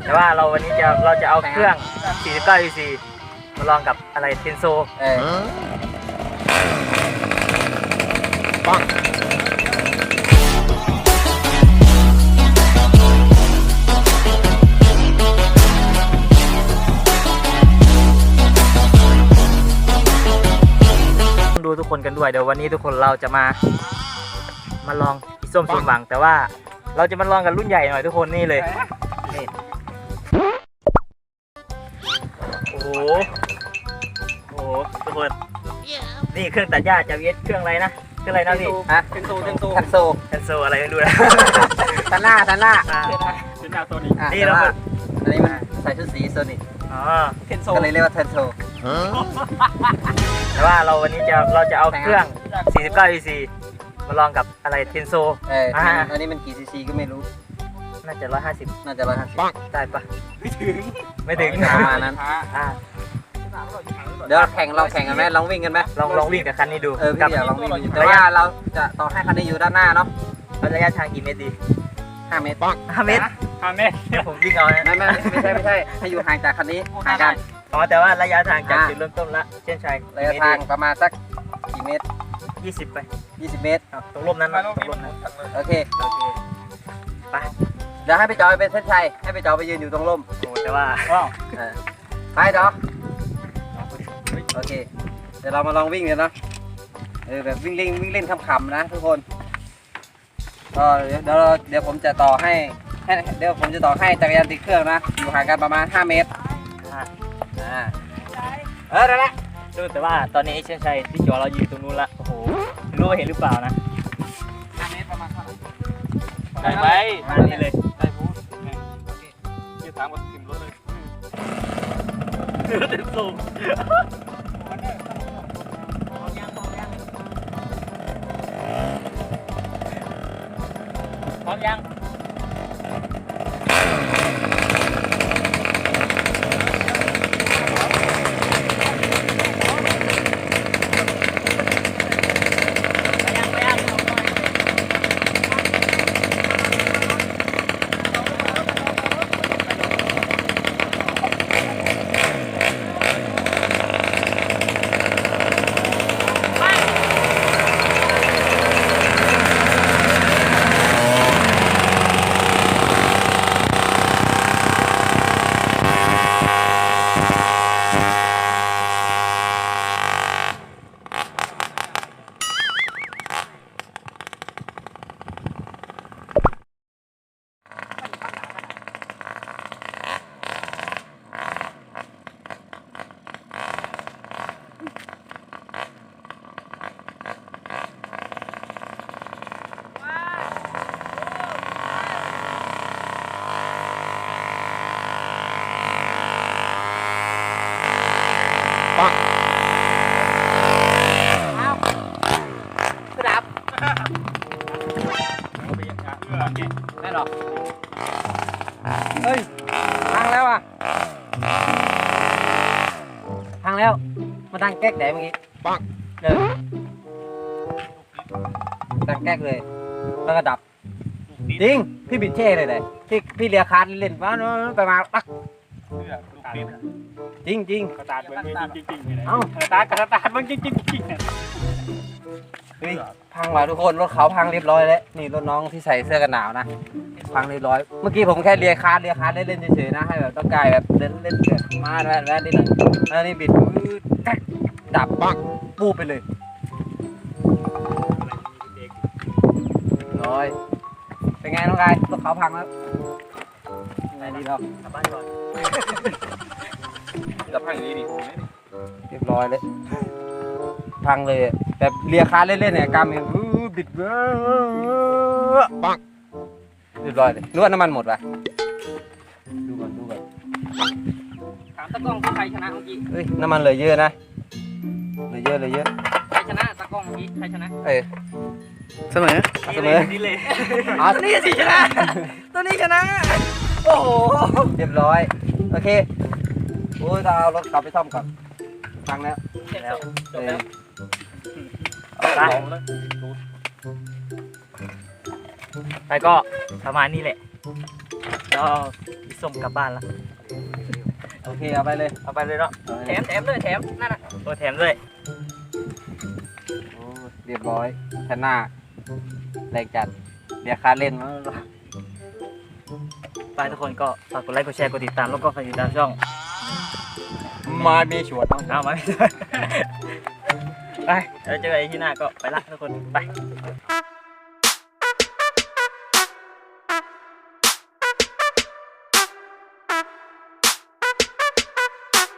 แต่ว่าวันนี้เราจะเอาเครื่อง 49 cc มาลองกับอะไรเทนโซปังดูทุกคนกันด้วยเดี๋ยววันนี้ทุกคนเราจะมาลองอีส้มสมหวังแต่ว่าเราจะมาลองกันรุ่นใหญ่หน่อยทุกคนนี่เลยนี่โอ้โหทุกคนนี่เครื่องตัดหญ้าจากเวสเครื่องอะไรนะเครื่องอะไรนะพี่ฮะเทนโซอะไรไม่รู้นะทันหน้าโซนิกนี่เราอันนี้มันใส่ชุดสีโซนิกเทนโซก็เลยเรียกว่าเทนโซแต่ว่าวันนี้เราจะเอาเครื่อง 49 cc มาลองกับอะไรเทนโซอันนี้มันกี่ซีซีก็ไม่รู้น่าจะ 150ได้ปะไม่ถึงประมาณนั้นเดี๋ยวลองแข่งกันไหมลองวิ่งกันไหมลองวิ่งกับคันนี้ดูพี่อยากลองวิ่งแต่ว่าเราจะต่อให้คันนี้อยู่ด้านหน้าเนาะระยะทางกี่เมตรดี 5 เมตร 5 เมตรผมวิ่งเอาไม่ใช่ให้อยู่ห่างจากคันนี้ห่างกันแต่ว่าระยะทางจากจุดเริ่มต้นละเช่นชัยระยะทางประมาณสักกี่เมตร 20 ไป 20 เมตรตรงร่มนั้นโอเคไปเดี๋ยวให้ไปจอยเป็นเส้นชัยให้ไปจอยไปยืนอยู่ตรงร่มแต่ว่าไปจอโอเคเดี๋ยวเรามาลองวิ่งกันเนาะแบบวิ่งเล่นขำๆนะทุกคนก็เดี๋ยวผมจะต่อให้จักรยานติดเครื่องนะอยู่ห่างกันประมาณ5 เมตรได้ละแต่ว่าตอนนี้เช่นชัยที่จอเราอยู่ตรงนู้นละโอ้โหไม่รู้ว่าเห็นหรือเปล่านะ 5 เมตรประมาณเท่าไหร่ได้ไหมมานี่เลยได้พูดโอเคยืดตามกับทิมรถเลยเต็มสูงพร้อมยังได้หรอเฮ้ยพังแล้วอ่ะพังแล้วมาดังแก๊กแดดเมื่อกี้ปังเลยดังแก๊กเลยแล้วก็ดับจริงพี่บิดเช่เลยพี่เลียคาร์ดเล่นว่าไปมาปักจริงสตาร์ทมันจริงเอ้าสตาร์ทมันจริงเฮ้ยพังว่ะทุกคนรถเขาพังเรียบร้อยแล้วนี่รถน้องที่ใส่เสื้อกันหนาวนะพังเรียบร้อยเมื่อกี้ผมแค่เลียคาร์ดเล่นเฉยๆนะให้แบบต้องกายแบบเล่นมาแวะนิดหน่อยแล้วนี่บิดดับปังปูไปเลยร้อยเป็นไงน้องกายรถเขาพังแล้วยังไงดีเรากลับบ้านก่อนจะพังอย่างนี้ดิเรียบร้อยเลยพังเลยแบบเลียคาร์เล่นๆเนี่ยกำเนี่ยบิดปังเรียบร้อยเลยนวดน้ำมันหมดป่ะดูก่อนถามตะกล้องใครชนะเมื่อกี้เฮ้ยน้ำมันเหลือเยอะนะเหลือเยอะใครชนะตะกล้องเมื่อกี้ใครชนะเสมอนี่เลยนี่สิชนะตัวนี้ชนะโอ้โหเรียบร้อยโอเคโอ้ยเราเอารถกลับไปซ่อมก่อนพังแล้วไปก็ประมาณนี้แหละแล้วส้มกลับบ้านละโอเคเอาไปเลยเอาไปเลยเนาะเอาไปแถเลยมด้วยแถมนั่นน่ะโอ้แถมด้วยโอ้เรียบร้อยชนะแรงจัดเดี๋ยวค่าเล่นมั้งไปทุกคนก็ฝากกดไลค์กดแชร์กดติดตามแล้วก็ฝากติดตามช่องมามีชวนเอามา ไปแล้วเจอกันที่หน้าก็ไปละทุกคนไป